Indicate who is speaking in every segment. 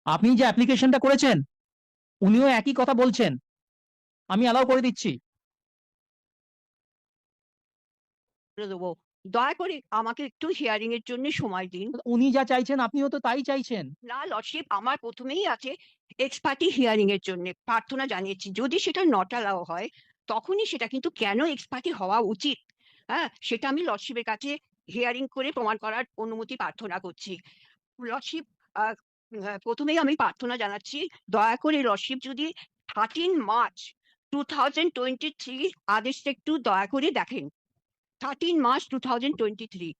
Speaker 1: আপনি যে অ্যাপ্লিকেশনটা করেছেন উনিও একই কথা বলছেন। আমি অ্যালাউ করে দিচ্ছি।
Speaker 2: করে দেবো। দয়া করে আমাকে একটু হিয়ারিং এর জন্য সময় দিন।
Speaker 1: উনি যা চাইছেন আপনিও তো তাই চাইছেন।
Speaker 2: না লর্ডশিপ, আমার ১ম এই আছে এক্স পার্টি হিয়ারিং এর জন্যে প্রার্থনা জানিয়েছি। যদি সেটা নট অ্যালাও হয়, তখনই সেটা কিন্তু কেন এক্স পার্টি হওয়া উচিত, হ্যাঁ? সেটা আমি লর্ডশিপের কাছে হিয়ারিং করে প্রমাণ করার অনুমতি প্রার্থনা করছি। লর্ডশিপ, আ ১ম এই আমি প্রার্থনা জানাচ্ছি, দয়া করে লর্ডশিপ যদি 13 মার্চ 2023 আদেশটা একটু দয়া করে দেখেন। 13 মার্চ 2023।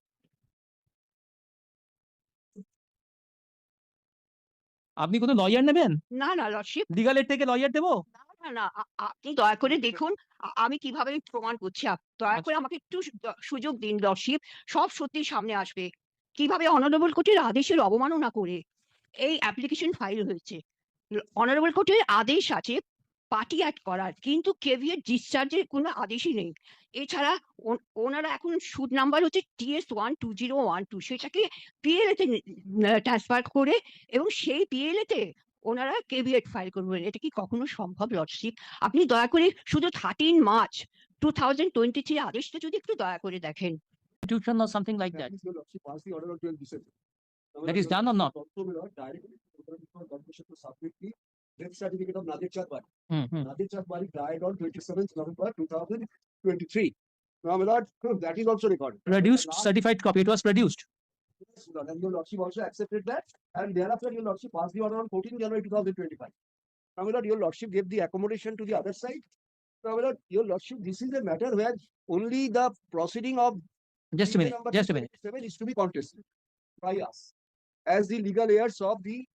Speaker 1: আপনি কোনো লয়ার নেবেন?
Speaker 2: না, না লর্ডশিপ,
Speaker 1: লিগাল এড থেকে লয়ার দেবো?
Speaker 2: না, না, না। আপনি দয়া করে দেখুন আমি কিভাবে প্রমাণ করছি। দয়া
Speaker 1: আচ্ছা।
Speaker 2: করে আমাকে একটু সুযোগ দিন লর্ডশিপ। সব সত্যি সামনে আসবে। কিভাবে অনারেবল কোর্টের আদেশের অবমাননা করে এই অ্যাপ্লিকেশন ফাইল হয়েছে। অনারেবল কোর্টের আদেশ আছে পার্টি অ্যাক্ট করার। কিন্তু কেভিয়েট ডিসচার্জের কোনো আদেশই নেই। এছাড়া ওনারা এখন সুদ নাম্বার হচ্ছে TS 12012 সেটাকে PLA তে ট্রান্সফার করে এবং সেই PLA তে ওনারা কেভিয়েট ফাইল করবেন। এটা কি কখনো সম্ভব লর্ডশিপ? আপনি দয়া করে শুধু 13 মার্চ 2023 আদেশটা যদি একটু দয়া করে দেখেন।
Speaker 1: Constitution or something like that.
Speaker 3: Your Lordship passed the order on 12 December.
Speaker 1: That is done or not?
Speaker 3: Also, my Lord, directly for permission to submit the death certificate of Nadir Chand Bari. Nadir Chand Bari died on 27th November 2023. Now, my Lord, that is also recorded.
Speaker 1: Produced certified copy. It was produced.
Speaker 3: Yes, my Lord, and your Lordship also accepted that, and thereafter your Lordship passed the order on 14th January 2025. Now, my Lord, your Lordship gave the accommodation to the other side. Now, my Lord, your Lordship, this is a matter where only the proceeding of
Speaker 1: Just a minute.
Speaker 3: number
Speaker 1: Just a minute.
Speaker 3: 7 is to be contested by us as the legal heirs of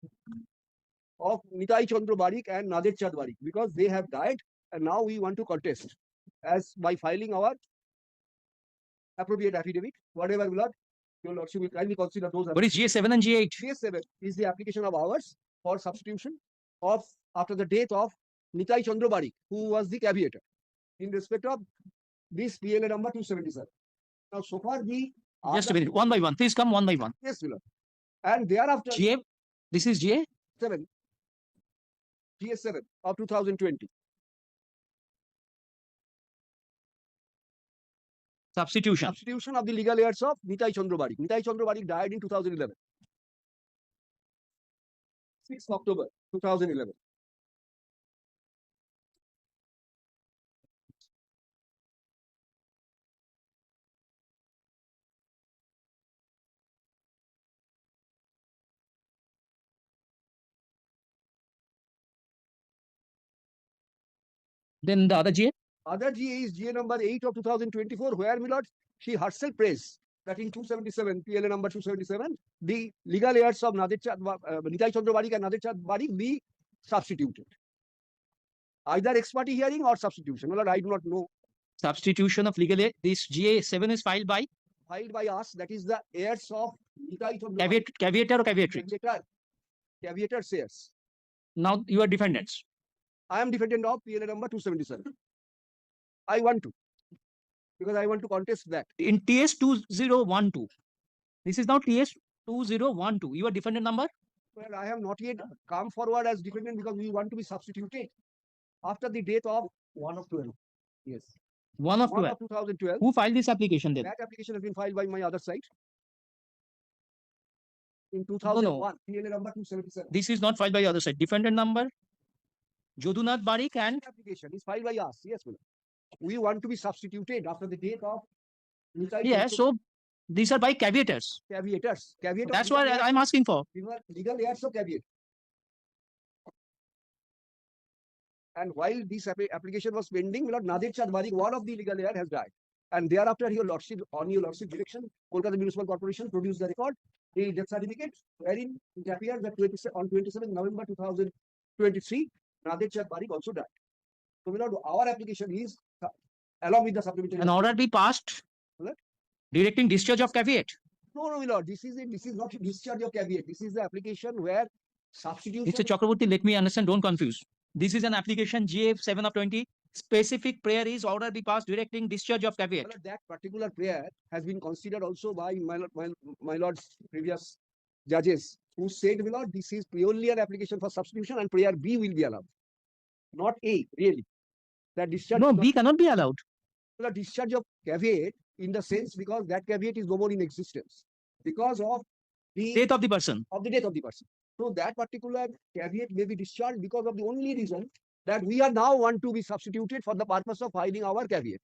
Speaker 3: Nitai Chandra Barik and Nadir Chand Barik, because they have died and now we want to contest as by filing our appropriate affidavit, whatever will not, your Lordship will kindly consider those.
Speaker 1: What is GA7 and GA8?
Speaker 3: GA7 is the application of ours for substitution of after the death of Nitai Chandra Barik, who was the caveator in respect of this PLA number 277. Now, so far the
Speaker 1: Just a minute. One by one. Please come one by one.
Speaker 3: yes, my Lord. And thereafter
Speaker 1: GA. This is GA.
Speaker 3: 7 GS7 of 2020.
Speaker 1: Substitution.
Speaker 3: Substitution of the legal heirs of Nitai Chandra Barik. Nitai Chandra Barik died in 2011. 6th October 2011.
Speaker 1: Then the other GA.
Speaker 3: Other GA is GA number 8 of 2024, where, my lord, she herself praised that in 277, PLA number 277, the legal heirs of Nitai Chandra Barik and Nadir Chand Barik be substituted. Either ex parte hearing or substitution. My lord, I do not know.
Speaker 1: Substitution of legal aid. This GA7 is filed by
Speaker 3: Filed by us, that is the heirs of Nitai Chandra Barik.
Speaker 1: caveator or caveatrix.
Speaker 3: Caveator heirs.
Speaker 1: Now you are defendants.
Speaker 3: I am defendant of PLA number 277. I want to, because I want to contest that.
Speaker 1: In TS 2012. This is now TS 2012. Your defendant number?
Speaker 3: Well, I have not yet come forward as defendant because we want to be substituted after the death of 1 of 12. Yes.
Speaker 1: 1 of
Speaker 3: 1
Speaker 1: 12.
Speaker 3: of 2012.
Speaker 1: Who filed this application then?
Speaker 3: That application has been filed by my other side. In 2001, PLA number 277.
Speaker 1: This is not filed by the other side. Defendant number Jodunath Barik and
Speaker 3: Application is filed by us. Yes, madam. We want to be substituted after the death of Nitai
Speaker 1: yeah,
Speaker 3: Chandra-
Speaker 1: so these are by caveators.
Speaker 3: caveators. Caveat.
Speaker 1: That's what I'm asking for.
Speaker 3: Legal heirs of caveat. And while this application was pending, my lord, Nadir Chand Barik, one of the legal heir, has died. And thereafter, your lordship, on your lordship direction, Kolkata Municipal Corporation produced the record, the death certificate, wherein it appears that on 27 November 2023, Nadir Chand Barik also died. So, my lord, our application is along with the supplementary.
Speaker 1: An order be passed
Speaker 3: What?
Speaker 1: directing discharge of caveat.
Speaker 3: No, my lord, this is not a discharge of caveat. This is the application where substitution.
Speaker 1: Mr. Chakraborty, let me understand, don't confuse. This is an application GA7 of 20. Specific prayer is order be passed directing discharge of caveat.
Speaker 3: My lord, that particular prayer has been considered also by my lord's previous judges who said, my lord, this is purely an application for substitution and prayer B will be allowed, not A, really. That discharge,
Speaker 1: No,
Speaker 3: is not
Speaker 1: B cannot be allowed.
Speaker 3: the discharge of caveat in the sense because that caveat is no more in existence because of the
Speaker 1: Death of the person.
Speaker 3: death of the person. So that particular caveat may be discharged because of the only reason that we are now want to be substituted for the purpose of filing our caveat.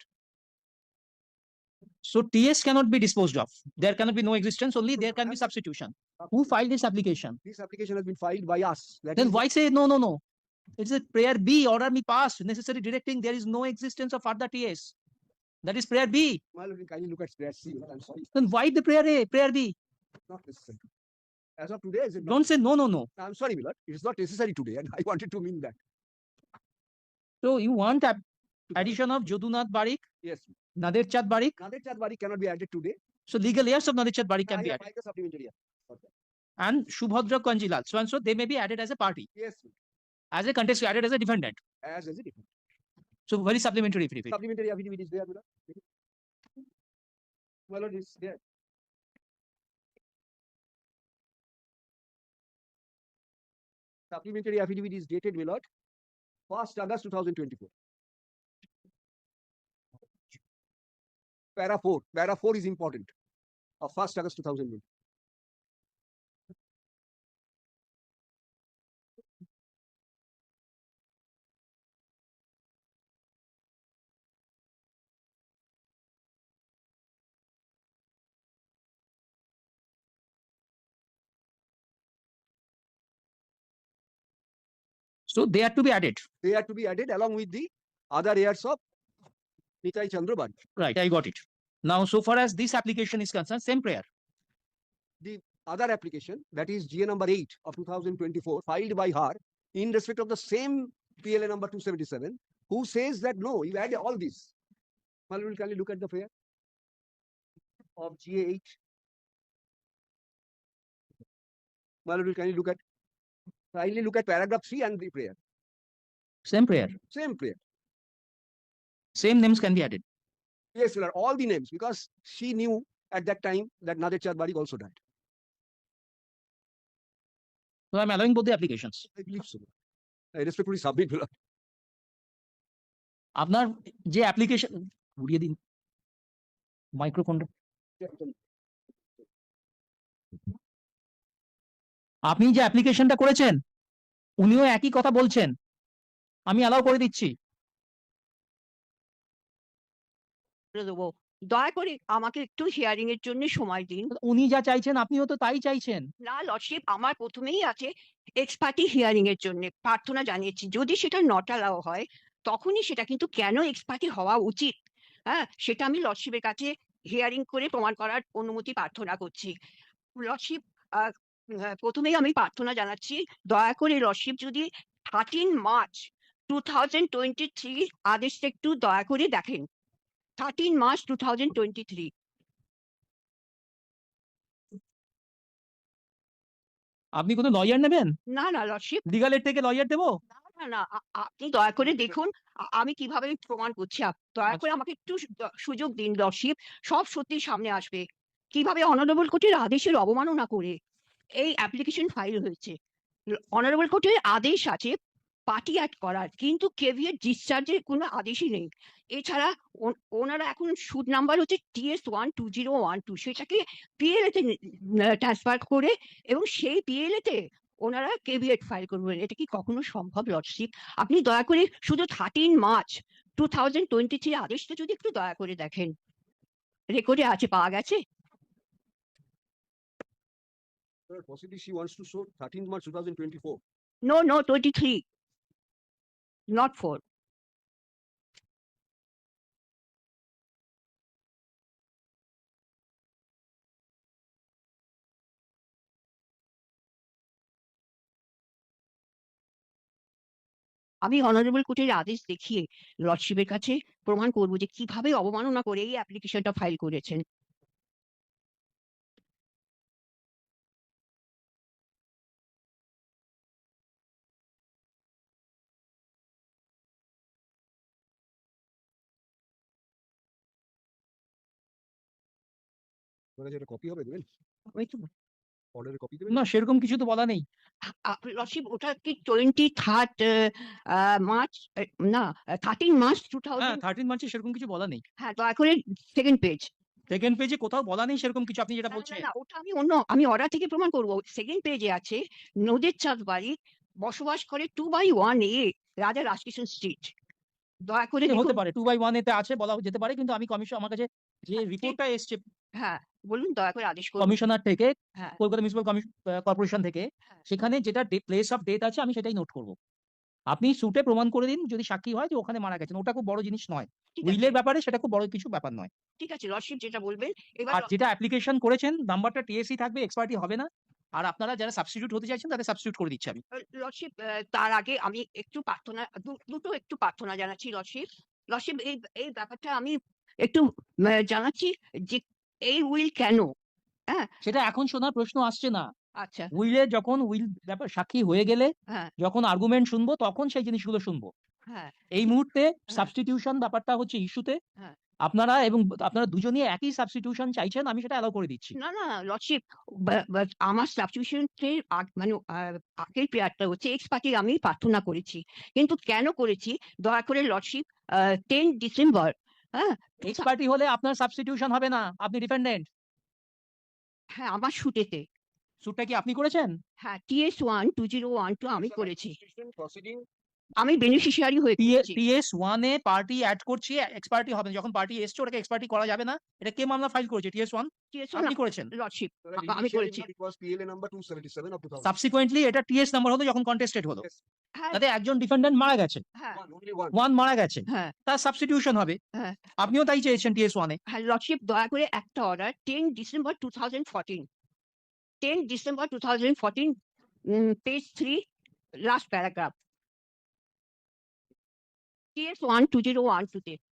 Speaker 1: So TS cannot be disposed of. There cannot be no existence, only there can be substitution. Who filed this application?
Speaker 3: This application has been filed by us. That
Speaker 1: Then
Speaker 3: is
Speaker 1: why say no, no, no? It's a prayer B, order me passed, necessary directing, there is no existence of further TS. That is prayer B.
Speaker 3: well, we kindly look at prayer C. I'm sorry,
Speaker 1: Then why the prayer A, prayer B?
Speaker 3: not necessary. As of today, is it not?
Speaker 1: Don't say no, no, no.
Speaker 3: I'm sorry, Milord. It is not necessary today, and I wanted to mean that.
Speaker 1: So you want addition of Jodunath Barik,
Speaker 3: Yes.
Speaker 1: Nader Chand Barik.
Speaker 3: Nader Chand Barik cannot be added today.
Speaker 1: So legal heirs of Nader Chand Barik can
Speaker 3: I
Speaker 1: be
Speaker 3: have
Speaker 1: added.
Speaker 3: filed a supplementary.
Speaker 1: And Shubhadra Kanjilal. So and so they may be added as a party,
Speaker 3: Yes,
Speaker 1: as a contest, added as a defendant.
Speaker 3: as a different.
Speaker 1: So very supplementary affidavit.
Speaker 3: Supplementary affidavit is there, Milord. Well, it is there. Supplementary affidavit is dated, Milord, 1st August 2024. Para 4. Para 4 is important. Of 1st August 2024.
Speaker 1: So they are to be added.
Speaker 3: They are to be added along with the other heirs of Nitai Chandra Barik.
Speaker 1: Right, I got it. Now, so far as this application is concerned, same prayer.
Speaker 3: Other application, that is GA number 8 of 2024, filed by her in respect of the same PLA number 277, who says that no, you add all this. Well, we'll kindly look at the prayer of GA 8. Well, we'll kindly look at paragraph 3 and the prayer.
Speaker 1: Same prayer.
Speaker 3: Same prayer.
Speaker 1: Same names can be added.
Speaker 3: Yes, sir, all the names, because she knew at that time that Nader Chand Barik also died.
Speaker 1: So I'm allowing both the applications.
Speaker 3: I believe so. I respectfully submit. Milord.
Speaker 1: আপনার যে application ঘুরিয়ে দিন মাইক্রোফোনটা, আপনি যে অ্যাপ্লিকেশনটা করেছেন উনিও একই কথা বলছেন, আমি অ্যালাউ করে দিচ্ছি।
Speaker 2: করে দেবো। দয়া করে আমাকে একটু হিয়ারিং এর জন্য সময় দিন।
Speaker 1: উনি যা চাইছেন আপনিও তো তাই চাইছেন।
Speaker 2: না লর্ডশিপ, আমার প্রথমেই আছে এক্স পার্টি হিয়ারিং এর জন্য প্রার্থনা জানিয়েছি। যদি সেটা নট অ্যালাউ হয় তখনই সেটা, কিন্তু কেন এক্স পার্টি হওয়া উচিত, হ্যাঁ, সেটা আমি লর্ডশিপের কাছে হিয়ারিং করে প্রমাণ করার অনুমতি প্রার্থনা করছি। লর্ডশিপ, প্রথমেই আমি প্রার্থনা জানাচ্ছি, দয়া করে লর্ডশিপ যদি 13 মার্চ 2023 আদেশটা একটু দয়া করে দেখেন। 13 মার্চ 2023।
Speaker 1: আপনি কোনো লয়ার নেবেন?
Speaker 2: না না লর্ডশিপ,
Speaker 1: লিগালের থেকে লয়ার দেবো?
Speaker 2: না না, আপনি দয়া করে দেখুন আমি কিভাবে প্রমাণ করছি। দয়া করে
Speaker 1: আচ্ছা।
Speaker 2: আমাকে একটু সুযোগ দিন লর্ডশিপ, সব সত্যি সামনে আসবে। কিভাবে অনারেবল কোর্টের আদেশের অবমাননা করে এই অ্যাপ্লিকেশন ফাইল হয়েছে। অনারেবল কোর্টের আদেশ আছে পার্টি অ্যাড করার, কিন্তু কেভিএট ডিসচার্জের কোনো আদেশই নেই। এছাড়া ওনারা এখন সুদ নাম্বার হচ্ছে TS12012, সেটাকে PLA তে ট্রান্সফার করে এবং সেই PLA তে ওনারা কেভিএট ফাইল করবেন। এটা কি কখনো সম্ভব লর্ডশিপ? আপনি দয়া করে শুধু 13 মার্চ 2023 আদেশটা যদি একটু দয়া করে দেখেন, রেকর্ডে আছে, পাওয়া গেছে।
Speaker 3: Sir, possibly she wants to show 13th March 2024.
Speaker 2: No, 23, not 4. আমি অনারেবল কোর্টের আদেশ দেখিয়ে লর্ডশিপের কাছে প্রমাণ করব যে কিভাবে অবমাননা করে এই অ্যাপ্লিকেশনটা ফাইল করেছেন।
Speaker 3: যেটা কপি হবে দেবেন।
Speaker 2: ওই তো
Speaker 3: অর্ডারের কপি
Speaker 1: না সেরকম কিছু তো বলা নেই।
Speaker 2: লর্ডশিপ ওটা কি 23rd মার্চ না 13 মার্চ
Speaker 1: হ্যাঁ
Speaker 2: 2000
Speaker 1: 13 মার্চে সেরকম কিছু বলা নেই।
Speaker 2: হ্যাঁ দয়া করে সেকেন্ড পেজ।
Speaker 1: সেকেন্ড পেজে কোথাও বলা নেই সেরকম কিছু আপনি যেটা
Speaker 2: না, না,
Speaker 1: বলছেন।
Speaker 2: না, ওটা আমি অর্ডার থেকে প্রমাণ করবো। সেকেন্ড পেজে আছে নদের চাঁদ বাড়ি বসবাস করে 2/1 এ রাজা রাজকিষণ স্ট্রিট। দয়া করে
Speaker 1: হতে
Speaker 2: দেখুন।
Speaker 1: পারে 2/1 এতে আছে বলা যেতে পারে, কিন্তু আমি কমিশন আমার কাছে যে
Speaker 2: হ্যাঁ, ঠিক।
Speaker 1: রিপোর্টটা এসছে
Speaker 2: হ্যাঁ, বলুন দয়া করে আদেশ করুন।
Speaker 1: কমিশনার থেকে,
Speaker 2: হ্যাঁ,
Speaker 1: কলকাতা মিউনিসিপাল কর্পোরেশন থেকে,
Speaker 2: হ্যাঁ,
Speaker 1: সেখানে যেটা প্লেস অফ ডেথ আছে আমি সেটাই নোট করব। আপনি সুটে প্রমাণ করে দিন যদি সাক্ষী হয় যে ওখানে মারা গেছেন, ওটা খুব বড় জিনিস নয়।
Speaker 2: ঠিক আছে,
Speaker 1: উইলের ব্যাপারে সেটা খুব বড় কিছু ব্যাপার নয়।
Speaker 2: ঠিক আছে লর্ডশিপ যেটা বলবেন। এবার
Speaker 1: আর যেটা অ্যাপ্লিকেশন করেছেন নাম্বারটা টিএসসি থাকবে, এক্সপার্টি হবে না। আর আপনারা যারা সাবস্টিটিউট হতে চাইছেন তাদের সাবস্টিটিউট করে দিচ্ছি আমি।
Speaker 2: লর্ডশিপ তার আগে আমি একটু প্রার্থনা দুটো একটু প্রার্থনা জানাচ্ছি লর্ডশিপ। লর্ডশিপ এই এই ব্যাপারটা আমি একটু জানাচ্ছি যে এই উইল কেন। হ্যাঁ,
Speaker 1: সেটা এখন শোনার প্রশ্ন আসছে না।
Speaker 2: আচ্ছা,
Speaker 1: উইলে যখন উইল ব্যাপার সাক্ষী হয়ে গেলে,
Speaker 2: হ্যাঁ,
Speaker 1: যখন আর্গুমেন্ট শুনবো তখন সেই জিনিসগুলো শুনবো।
Speaker 2: হ্যাঁ,
Speaker 1: এই মুহূর্তে সাবস্টিটিউশন ব্যাপারটা হচ্ছে ইস্যুতে।
Speaker 2: হ্যাঁ।
Speaker 1: আপনারা আপনারা দুজনই একই সাবস্টিটিউশন চাইছেন, আমি সেটা অ্যালাউ করে দিচ্ছি।
Speaker 2: না, না, লর্ডশিপ আমার সাবস্টিটিউশন এর মানে আগের প্রেয়ারটা হচ্ছে এক্স পার্টি আমি প্রার্থনা করেছি। কিন্তু কেন করেছি দয়া করে লর্ডশিপ 10 ডিসেম্বর, হ্যাঁ,
Speaker 1: এক্সপার্টি হলে আপনার সাবস্টিটিউশন হবে না, আপনি ডিপেন্ডেন্ট।
Speaker 2: হ্যাঁ, আমার শুটেতে।
Speaker 1: সুটটা কি আপনি করেছেন?
Speaker 2: হ্যাঁ, TS1 2012 আমি করেছি।
Speaker 3: প্রসিডিং
Speaker 2: আমি বেনিফিশিয়ারি হয়ে করেছি।
Speaker 1: TS1 এ পার্টি অ্যাড করছি, এক্সপার্টি হবে না। যখন পার্টি এসছে ওটাকে এক্সপার্টি করা যাবে না। এটা কে মামলা ফাইল করেছে? TS1
Speaker 2: TS1
Speaker 1: আপনি করেছেন।
Speaker 2: লর্ডশিপ আমি করেছি।
Speaker 3: It was PLA number 277 of 2000.
Speaker 1: Subsequently এটা TS নাম্বার হলো যখন কন্টেস্টেড হলো।
Speaker 3: Yes,
Speaker 2: হ্যাঁ,
Speaker 1: তাতে একজন ডিফেন্ডেন্ট মারা গেছে,
Speaker 2: হ্যাঁ,
Speaker 3: only one.
Speaker 1: ওয়ান মারা গেছে,
Speaker 2: হ্যাঁ,
Speaker 1: তার সাবস্টিটিউশন হবে।
Speaker 2: হ্যাঁ,
Speaker 1: আপনিও তাই চেয়েছেন TS1 এ।
Speaker 2: হ্যাঁ, লর্ডশিপ দয়া করে একটা order 10 December 2014, 10 December 2014, page 3 last paragraph. TS1 2012 তে।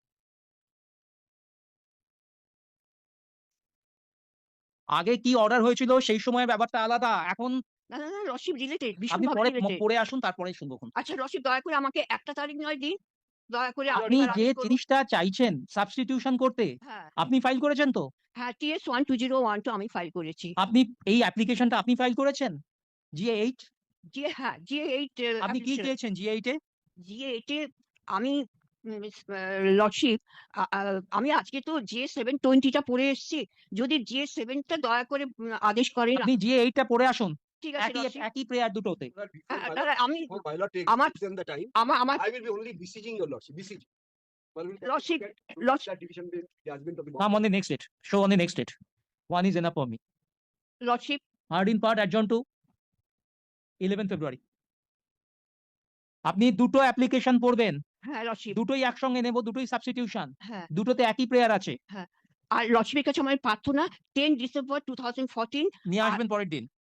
Speaker 1: আগে কি অর্ডার হয়েছিল সেই সময়ের ব্যাপারটা আলাদা। এখন
Speaker 2: না, না, না, লর্ডশিপ রিলেটেড,
Speaker 1: আপনি
Speaker 2: ভীষণভাবে
Speaker 1: পরে
Speaker 2: রিলেটেড।
Speaker 1: পড়ে আসুন, তারপরে শুনবো।
Speaker 2: আচ্ছা লর্ডশিপ দয়া করে আমাকে একটা তারিখ নয় দিন। দয়া করে
Speaker 1: আপনি
Speaker 2: এবার
Speaker 1: যে
Speaker 2: আদেশ করুন।
Speaker 1: জিনিসটা চাইছেন সাবস্টিটিউশন করতে,
Speaker 2: হ্যাঁ,
Speaker 1: আপনি ফাইল করেছেন তো?
Speaker 2: হ্যাঁ, TS1 2012 আমি ফাইল করেছি।
Speaker 1: আপনি এই অ্যাপ্লিকেশনটা আপনি ফাইল করেছেন GA8?
Speaker 2: হ্যাঁ, GA8
Speaker 1: আপনি কি চেয়েছেন GA8 এ?
Speaker 2: GA8 এ আমি লর্ডশিপ আমি আজকে তো GA720 টা পড়ে এসেছি। যদি GA7 টা দয়া করে আদেশ করেন।
Speaker 1: আপনি GA8 টা পড়ে আসুন।
Speaker 2: ঠিক আছে
Speaker 1: একই
Speaker 2: লর্ডশিপ।
Speaker 1: একই প্রেয়ার দুটোতে।
Speaker 2: দাদা আমি
Speaker 3: Before my lord takes
Speaker 2: আমার-
Speaker 3: decision the time,
Speaker 2: আমার
Speaker 3: I will be only besieging your lordship. Besiege. Well, we'll
Speaker 2: Lordship,
Speaker 3: look at
Speaker 2: Lordship.
Speaker 3: that division judgment of the
Speaker 1: Come on the next date. Show on the next date. One is enough for me.
Speaker 2: Lordship
Speaker 1: Heard in part adjourned to 11 February. আপনি দুটো application পড়বেন,
Speaker 2: হ্যাঁ lordship
Speaker 1: দুটোই একসঙ্গে নেব, দুটোই substitution,
Speaker 2: হ্যাঁ।
Speaker 1: দুটোতে একই প্রেয়ার আছে।
Speaker 2: আর লর্ডশিপের কাছে আমার প্রার্থনা 10 ডিসেম্বর 2014
Speaker 1: নিয়ে আসবেন পরের দিন।